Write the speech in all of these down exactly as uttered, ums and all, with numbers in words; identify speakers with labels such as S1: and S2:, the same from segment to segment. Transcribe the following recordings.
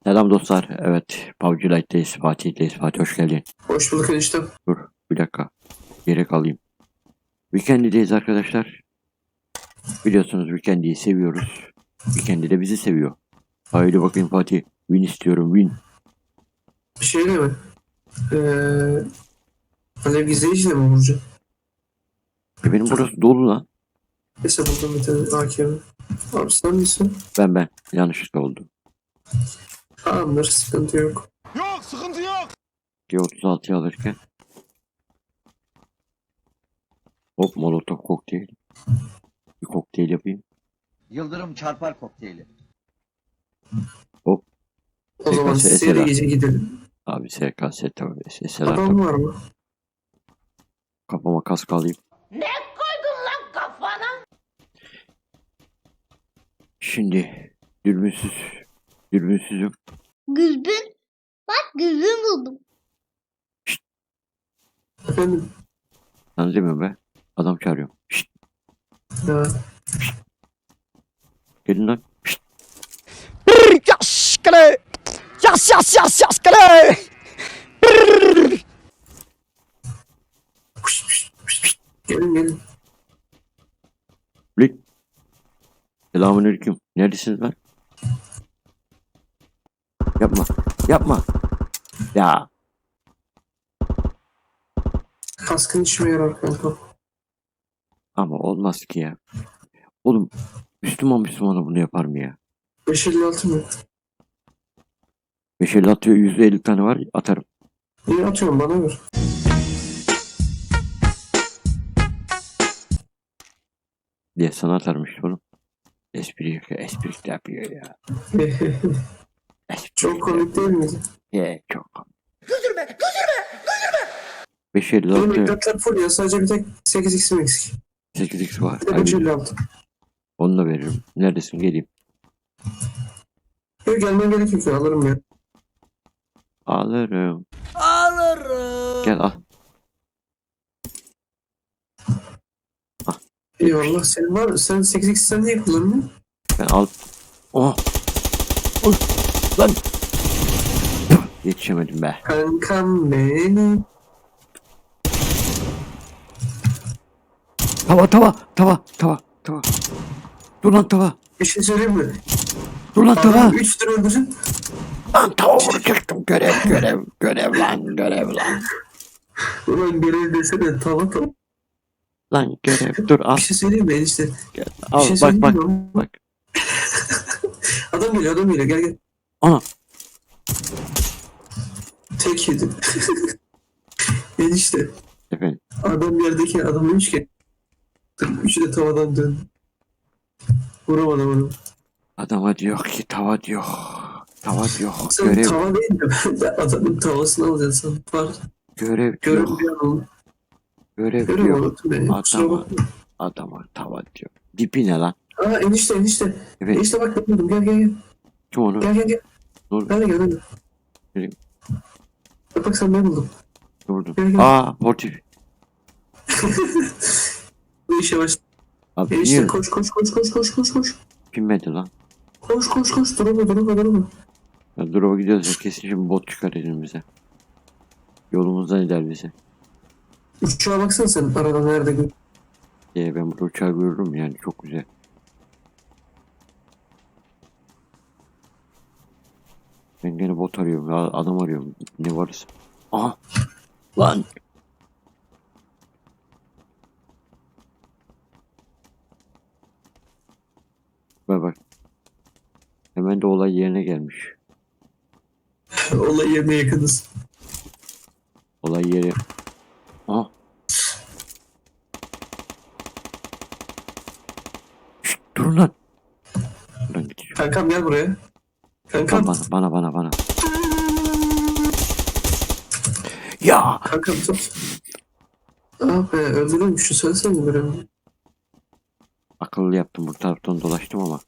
S1: Selam dostlar. Evet. P U B G Lite'deyiz. Fatih'teyiz. Fatih hoş geldin.
S2: Hoş bulduk eniştem.
S1: Dur. Bir dakika. Gerek alayım. Weekend'deyiz arkadaşlar. Biliyorsunuz Weekend'i seviyoruz. Weekend'i de bizi seviyor. Haydi bakayım Fatih. Win istiyorum. Win.
S2: Şey de mi? Ee, Alev gizleyici de mi vuracağım?
S1: E benim burası dolu lan.
S2: Neyse buldum bir tane A K M. Abi sen misin?
S1: Ben ben. Yanlışlıkla oldu.
S2: Tamamdır, sıkıntı yok.
S3: Yok, sıkıntı yok.
S1: G otuz altıyı alırken. Hop molotof kokteyl. Bir kokteyl yapayım.
S4: Yıldırım çarpar kokteyli.
S1: Hop.
S2: O zaman
S1: S K S
S2: seri gece gidelim.
S1: Abi S K S tabii. S S'ler
S2: Adam
S1: tabii.
S2: var mı?
S1: Kafama kask alayım.
S5: Ne koydun lan kafana?
S1: Şimdi dürbünsüz. Dürbünsüzüm.
S5: Güzgün. Bak güzgün buldum.
S2: Efendim?
S1: Sen demiyorum be. Adam çağırıyorum. Şşt,
S2: Ya.
S1: gelin lan. Şşt.
S3: Yas, kale. Yas, yas, yas, yas, kale.
S2: Pişt, pişt, pişt, pişt. Gelin gelin.
S1: Blik. Selamünaleyküm. Neredesiniz lan? Yapma. Yapma. Ya.
S2: Kaskın işime yarar kanka.
S1: Ama olmaz ki ya. Oğlum. Müslüman Müslümana bunu yapar mı ya?
S2: beş elli altı mı?
S1: beş elli atıyor. yüz elli tane var. Atarım.
S2: İyi atıyorum, bana ver.
S1: Diye sana atarmış oğlum. Espri yapıyor. Espri yapıyor ya. Espri
S2: Çok komik değil miydi?
S1: Ye çok komik. Güldürme. Güldürme. Güldürme. beş elli
S2: Benim
S1: altı.
S2: ekratlar full ya, sadece bir tek sekiz x'im eksik.
S1: sekiz x var.
S2: Bir de beş elli altı.
S1: Onu da veririm. Neredesin? Geleyim.
S2: Yok, gelmen gerekiyor ki alırım ya.
S1: Alırım.
S3: Alırım.
S1: Gel al.
S2: Eyvallah, senin var mı? Sen sekiz x sen niye kullanmıyorsun?
S1: Ben al. Oh. Oy. Lan. Yetişemedim be.
S2: Kankam benim.
S1: Tava tava tava tava tava. Dur lan tava.
S2: Bir şey söyleyeyim mi?
S1: Dur lan tava.
S2: Adam üç tur öldürsün.
S1: Lan tava vuracaktım. Görev görev görev lan görev lan.
S2: Ulan görev desene, tava tava.
S1: Lan görev dur al.
S2: Bir şey söyleyeyim mi enişte?
S1: Gel.
S2: Bir
S1: Al
S2: şey
S1: bak
S2: söyleyeyim
S1: bak
S2: mi ama?
S1: bak.
S2: Adam geliyor, adam geliyor, gel gel.
S1: Ana.
S2: Tek yedim. Enişte.
S1: Efendim.
S2: Adam yerdeki adam demiş ki. Üçü de tavadan döndü. Vuramadım onu.
S1: Adama diyor ki tava diyor. Tava diyor.
S2: Sen
S1: Görev
S2: tava değil de ben de adamın tavasını alacaksın. Var.
S1: görev
S2: Görev
S1: diyor.
S2: bir an oldu.
S1: Görev
S2: Görev
S1: diyor.
S2: oldu beni. Kusura
S1: Adama
S2: bakma.
S1: adama tava diyor. Dipi ne lan?
S2: Aa enişte enişte.
S1: Evet.
S2: Enişte bak, ben buldum. Gel gel gel.
S1: Kim onu?
S2: Gel gel gel.
S1: Dur.
S2: Gel gel gel.
S1: Gelin.
S2: Bak bak, sen ben buldum.
S1: Durdum.
S2: Gel, gel.
S1: Aa portif.
S2: Bu işe baş.
S1: Abi
S2: Enişte
S1: niye
S2: koş koş koş koş koş koş koş.
S1: pinmedi lan?
S2: Koş koş koş, durma durma durma.
S1: Ya drop'a gidiyoruz ya kesin şimdi bot çıkar elimize. Yolumuzdan gider bize.
S2: Uçağa baksana sen, arada nerede gör.
S1: Diye ben burada uçağı görürüm yani çok güzel. Ben gene bot arıyorum ya adam arıyorum. Ne varız? Aha. Lan. Bak bak. Hemen de olay yerine gelmiş.
S2: Olay yerine yakınız.
S1: Olay yeri. Aha. Şşt, durun lan. Buradan gidiyor.
S2: Kankam gel buraya. Kankam.
S1: Bana bana bana bana. Ya.
S2: Kankam tut. Ah be, öldürülmüşsün, söylesene görevi.
S1: Akıllı yaptım bu taraftan dolaştım ama.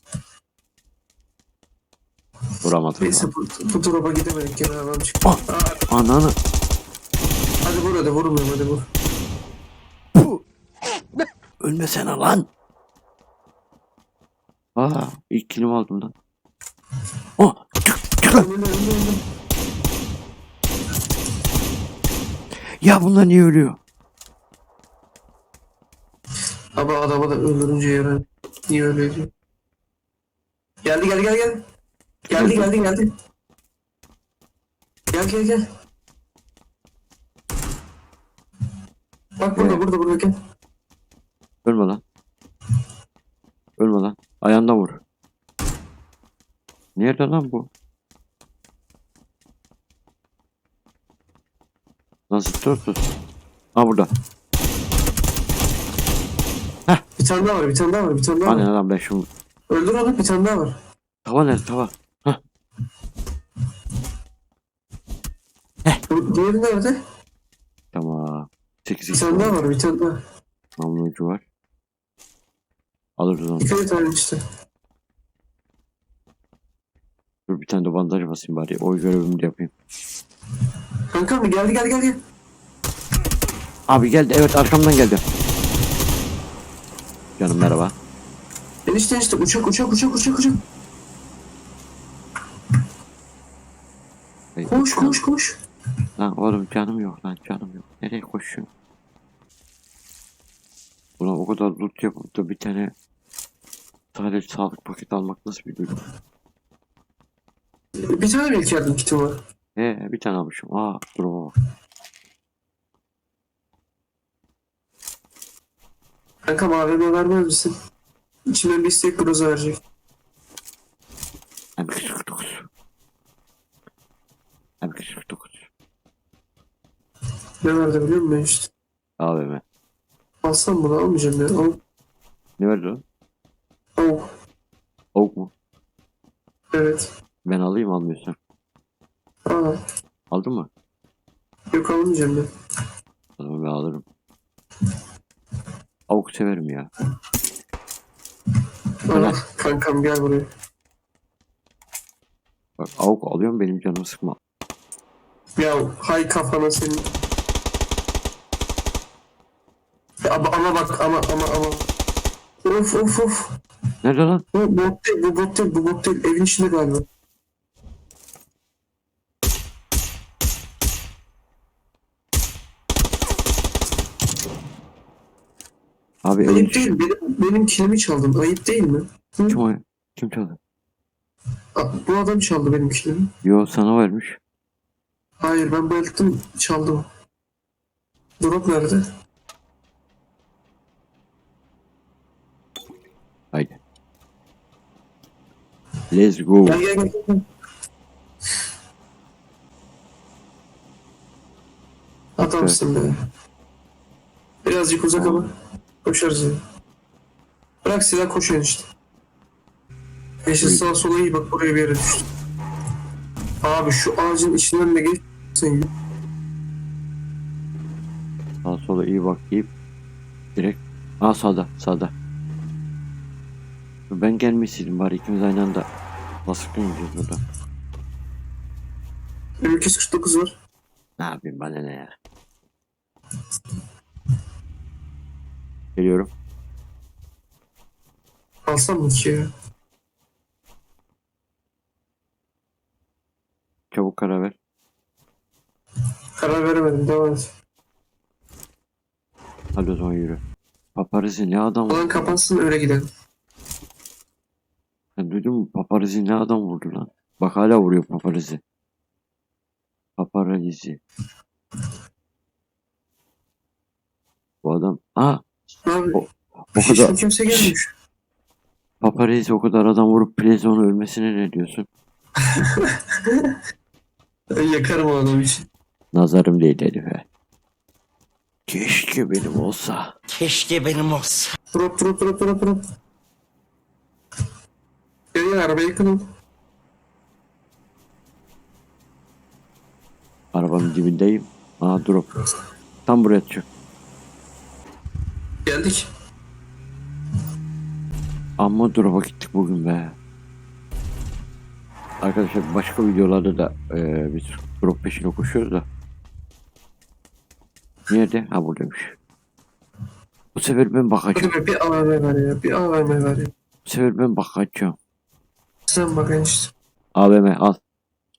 S1: Vuramadım.
S2: Neyse bu, bu drop'a gidemedik, gene adam çıktı.
S1: Ah.
S2: Aa,
S1: Ananı.
S2: hadi vur hadi, vurmuyorum hadi vur.
S1: Ölmesene lan. Aa ilk kilimi aldım lan. Oh. Tık, tık. çıkın.
S2: Önünde, önünde, önünde.
S1: Ya bunlar niye ölüyor?
S2: Ama adama da öldürünce yarar. Niye öyle diyor? Geldi geldi gel gel. Geldi geldi geldi. Gel gel gel. Bak burada
S1: Evet.
S2: burada burada gel.
S1: Ölme lan. Ölme lan. Ayağından vur. Nerede lan bu? Nasıl tutuyorsun? Ha burada.
S2: Bir tane daha var bir tane daha var bir tane daha
S1: Hani
S2: var.
S1: lan ben şunu.
S2: Öldür onu bir tane daha var.
S1: Tava nerede tava?
S2: Bu diğeri nerede?
S1: Tamam. sekiz
S2: Bir
S1: x
S2: tane daha var bir tane daha.
S1: namlu ucu var. Alırız onu.
S2: İki tane işte.
S1: Dur bir tane de bandaj basayım bari. O görevimi de yapayım.
S2: Kanka mı geldi geldi geldi.
S1: Abi geldi. Evet arkamdan geldi. Canım merhaba.
S2: Enişte enişte uçak uçak uçak uçak uçak.
S1: Hey,
S2: Koş
S1: canım.
S2: koş koş.
S1: Lan oğlum canım yok lan canım yok. Nereye koşuyorsun? Buna o kadar loot yapıp da bir tane sadece sağlık paketi almak nasıl bir duygu?
S2: Bir tane belki yardım kiti var.
S1: He bir tane almışım. Aa duruma bak.
S2: Kanka mavime vermez misin? İçimden bir istek broza verecek.
S1: M iki yüz kırk dokuz. M iki yüz kırk dokuz.
S2: Ne verdi biliyor musun işte?
S1: A V M.
S2: Alsam bunu almayacağım ya. Al.
S1: Ne verdi lan?
S2: Al.
S1: Avuk mu?
S2: Evet.
S1: Ben alayım almıyorsan.
S2: Aa.
S1: Aldın mı?
S2: Yok almayacağım ben.
S1: O zaman ben alırım. Avuk severim ya.
S2: Al. Kankam gel buraya.
S1: Bak avuk alıyorum benim canımı sıkma.
S2: Ya hay kafana senin. Ya, ama, ama bak ama ama ama. Of of of.
S1: Nerede lan?
S2: Bu bot değil bu bot değil bu bot değil. Evin içinde galiba.
S1: Abi evin
S2: Ayıp
S1: içi.
S2: değil benim, benim kilimi çaldın. Ayıp değil mi? Hı?
S1: Kim o? Kim çaldı?
S2: Aa, bu adam çaldı benim kilimi.
S1: Yo sana vermiş.
S2: Hayır ben bayılttım çaldı o. Drop nerede?
S1: Haydi. Let's go.
S2: Gel gel gel. gel. Adamsın be. Birazcık uzak ama koşarız ya. Bırak silah koşuyor işte. Yeşil
S1: Buyur.
S2: sağa sola iyi bak buraya bir yere düştü. Abi şu ağacın içinden de geç. Sen
S1: Sağa sola iyi bak deyip direkt. Aa sağda sağda. Ben gelmeseydim bari ikimiz aynı anda baskın yiyeceğiz burada.
S2: M iki yüz kırk dokuz var.
S1: Ne yapayım bana ne ya. Geliyorum.
S2: Alsam mı ki ya?
S1: Çabuk karar ver.
S2: Karar veremedim devam et.
S1: Hadi o zaman yürü. Paparazzi ne adam
S2: Alan
S1: vurdu?
S2: kapansın öyle gidelim.
S1: Sen duydun mu? Paparazzi ne adam vurdu lan? Bak hala vuruyor paparazzi. Paparazzi. Bu adam. Aa
S2: Abi
S1: O- o
S2: hiç
S1: kadar
S2: kimse gelmiş.
S1: paparazzi o kadar adam vurup Plezon'un ölmesine ne diyorsun?
S2: Ben yakarım o adam için.
S1: Nazarım değil herife. Keşke benim olsa.
S3: Keşke benim olsa.
S2: Drop drop drop drop drop. Gel gel arabaya yakın ol.
S1: Arabanın dibindeyim. Aa drop. Tam buraya atacak.
S2: Geldik.
S1: Amma drop'a gittik bugün be. Arkadaşlar başka videolarda da e, biz drop peşine koşuyoruz da. Nerede? Ha buradaymış. Bu sefer ben bakacağım.
S2: Hadi be bir A V M ver ya. Bir A V M ver ya.
S1: Bu sefer ben bakacağım.
S2: Sen bak enişte.
S1: A V M al.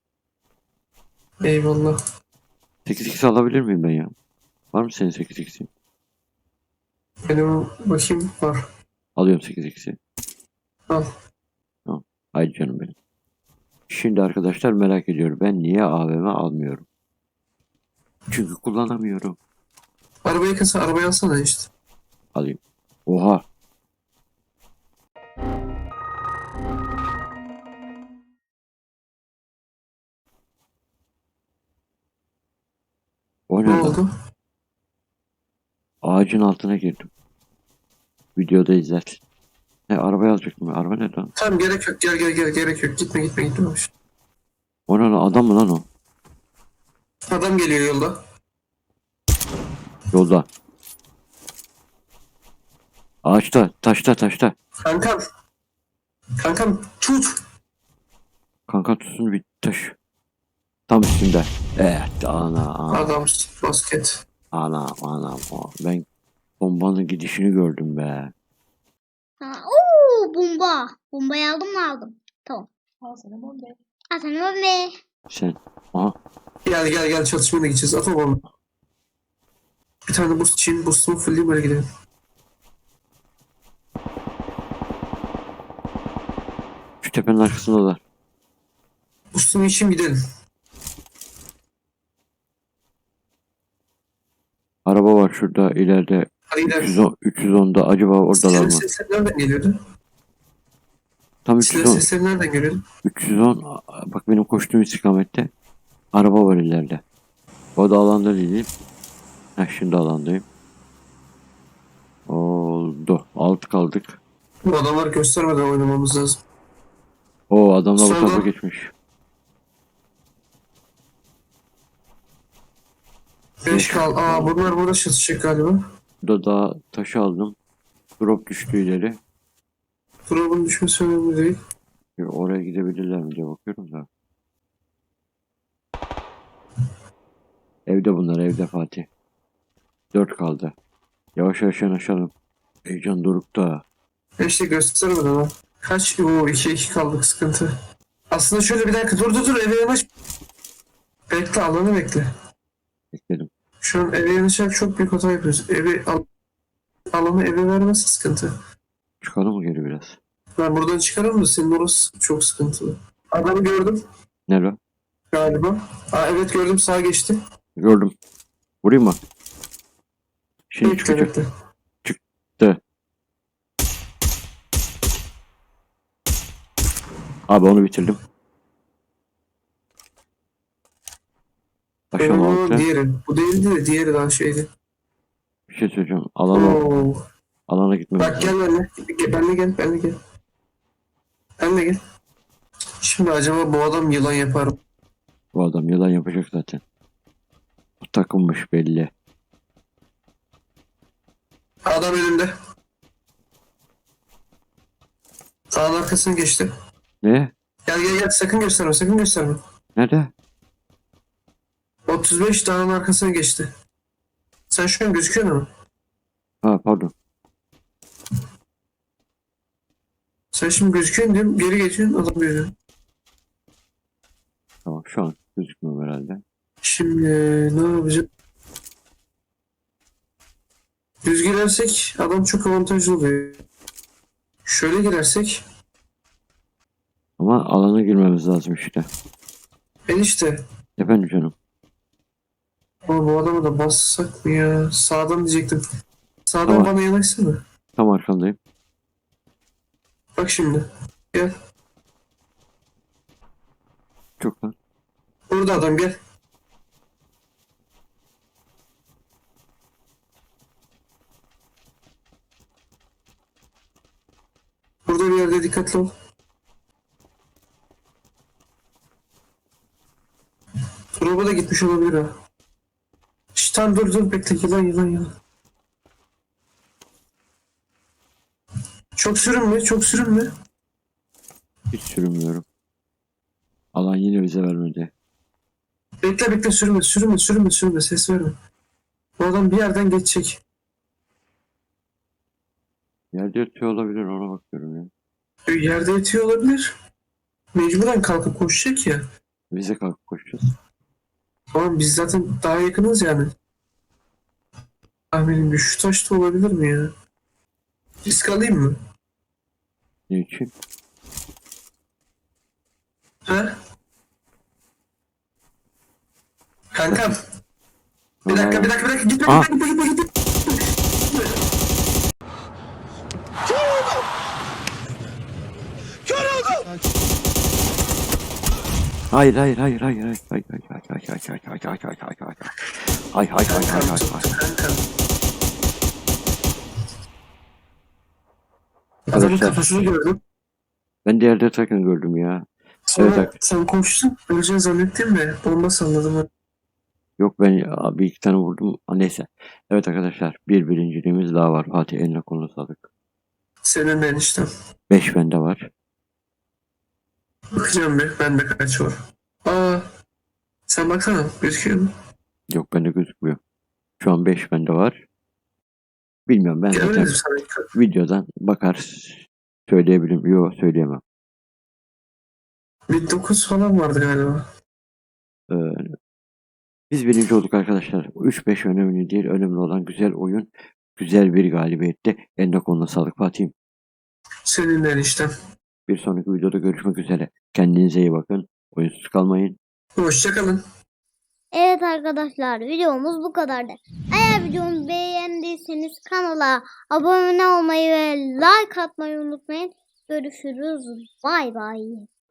S2: Eyvallah.
S1: sekiz x alabilir miyim ben ya? Var mı senin sekiz x'in?
S2: Benim bakayım var.
S1: Alıyorum sekiz x'i.
S2: Al.
S1: Haydi canım benim. Şimdi arkadaşlar merak ediyorum. Ben niye A V M almıyorum? Çünkü kullanamıyorum.
S2: Arabayı kasa arabayı alsana işte.
S1: Alayım. Oha. O ne
S2: Ne
S1: lan?
S2: oldu?
S1: Ağacın altına girdim. Videoda izlersin. He arabayı alacaktım. ya. Araba ne lan?
S2: Tamam gerek yok gel gel gel gerek yok. Gitme gitme gitme.
S1: O ne lan? Adam mı lan o?
S2: Adam geliyor yolda.
S1: Yolda. Ağaçta. Taşta taşta.
S2: Kankam. Kankam tut.
S1: Kanka tutsun bir taş. Tam üstünde. Evet. Ana. Ana.
S2: Adam basket.
S1: Ana. Ana. Ben bombanın gidişini gördüm be.
S5: Ha, oo, bomba. Bombayı aldım mı aldım. Tamam.
S6: Al sana bombe.
S5: Al sana bombe.
S1: Sen. Aha.
S2: Gel gel gel çatışmaya da gideceğiz. At o bomba. Bir tane boost için boost'umu fullleyip böyle gidelim.
S1: Şu tepenin arkasındalar.
S2: Boost'umu için gidelim.
S1: Araba var şurada ileride.
S2: Hadi gidelim.
S1: üç yüz on, üç yüz onda acaba oradalar
S2: Silah
S1: mı?
S2: sesleri nereden geliyordu?
S1: Tam
S2: Silah
S1: üç yüz on.
S2: sesleri nereden geliyordu?
S1: üç yüz on. Bak benim koştuğum istikamette. Araba var ileride. O da alanda değilim. Heh şimdi alandayım. Oldu. Alt kaldık.
S2: Bu adamları göstermeden oynamamız lazım.
S1: O adamla bu
S2: Solda.
S1: tarafa geçmiş.
S2: Beş kal. Aa bunlar burada çatışacak galiba.
S1: Burada da taşı aldım. Drop düştü ileri.
S2: Drop'un düşmesi önemli değil.
S1: Oraya gidebilirler mi diye bakıyorum da. Evde bunlar evde Fatih. Dört kaldı. Yavaş yavaş yanaşalım. Heyecan dorukta.
S2: İşte göstermeden ha. Kaç? Oo iki iki kaldık sıkıntı. Aslında şöyle bir dakika dur dur dur eve yanaş. Bekle alanı bekle.
S1: Bekledim.
S2: Şu an eve yanaşarak çok büyük hata yapıyoruz. Evi al alanı eve vermesi sıkıntı.
S1: Çıkalım mı geri biraz?
S2: Ben buradan çıkarım da senin orası çok sıkıntılı. Adamı gördüm
S1: Nerede?
S2: galiba. Aa evet gördüm sağa geçti.
S1: Gördüm. Vurayım mı? Şimdi
S2: Bekle
S1: çıkacak.
S2: bekle.
S1: Çıktı. Abi onu bitirdim. Aşağı
S2: Oo,
S1: altı.
S2: diğeri. Bu değildi de diğeri daha şeydi.
S1: Bir şey söyleyeceğim. Alana,
S2: Oo.
S1: alana gitmemiz
S2: Bak
S1: lazım.
S2: gel benimle. Gel, benimle gel. Benimle gel. Benimle gel. Şimdi acaba bu adam yılan yapar mı?
S1: Bu adam yalan yapacak zaten. Bu takılmış belli.
S2: Adam önümde. Dağın arkasına geçti.
S1: Ne?
S2: Gel gel gel sakın gösterme sakın gösterme.
S1: Nerede?
S2: otuz beş dağın arkasına geçti. Sen şu an gözüküyor mu?
S1: Ha pardon.
S2: Sen şimdi gözüküyorsun diyorum geri geçiyorsun adam görüyor.
S1: Tamam şu an gözükmüyor herhalde.
S2: Şimdi ne yapacağız? Düz girersek adam çok avantajlı oluyor. Şöyle girersek
S1: Ama alana girmemiz lazım işte.
S2: enişte.
S1: Efendim canım.
S2: Ama bu adamı da bassak mı ya? Sağdan diyecektim. Sağdan
S1: Tamam.
S2: bana yanaşsana.
S1: Tam arkandayım.
S2: Bak şimdi. Gel.
S1: Çok lan.
S2: Burada adam gel. Burada bir yerde dikkatli ol. Drop'a da gitmiş olabilir ha. Şşt tamam dur dur bekle yılan yılan yılan. Çok sürünme çok sürünme.
S1: Hiç sürünmüyorum. Alan yine bize vermedi.
S2: Bekle bekle sürünme sürünme sürünme sürünme ses verme. Bu adam bir yerden geçecek.
S1: Yerde yatıyor olabilir ona bakıyorum ya.
S2: E, Yerde yatıyor olabilir. Mecburen kalkıp koşacak ya.
S1: Bize kalkıp koşacağız.
S2: Tamam biz zaten daha yakınız yani. Tahminim bir şu taşta olabilir mi ya? Risk alayım mı?
S1: Ne için?
S2: Ha? Kankam. Bir dakika bir dakika bir dakika gitme
S1: Aa.
S2: gitme gitme gitme gitme.
S1: Hayır hayır hayır hayır hayır hayır hayır hayır hayır hayır hayır hayır hayır hayır hayır hayır hayır hayır hayır hayır
S2: Kankam
S1: hayır
S2: tut
S1: hayır.
S2: kankam. Adamın
S1: Arkadaşlar
S2: kafasını gördüm.
S1: ben de yerde takın gördüm ya.
S2: Sonra
S1: Evet,
S2: sen koştun. Öleceğini zannettim de bomba salladım.
S1: Yok ben ya, bir iki tane vurdum. Aa, neyse. Evet arkadaşlar bir birinciliğimiz daha var. Fatih eline koluna sağlık.
S2: Senin enişten.
S1: Beş bende var.
S2: Bakacağım bir. Bende kaç var. Aa. Sen baksana. Gözüküyor mu?
S1: Yok bende gözükmüyor. Şu an beş bende var. Bilmiyorum ben zaten
S2: Gelmedim sana. dikkat.
S1: videodan bakar söyleyebilirim. Yok söyleyemem.
S2: Bir dokuz falan vardı galiba.
S1: Ee, biz birinci olduk arkadaşlar. üç beş önemli değil. Önemli olan güzel oyun. Güzel bir galibiyette. Eline koluna sağlık Fatih'im.
S2: Senin enişten.
S1: Bir sonraki videoda görüşmek üzere. Kendinize iyi bakın. Oyunsuz kalmayın.
S2: Hoşçakalın.
S5: Evet arkadaşlar videomuz bu kadardı. Eğer videomu beğendiyseniz kanala abone olmayı ve like atmayı unutmayın. Görüşürüz. Bay bay.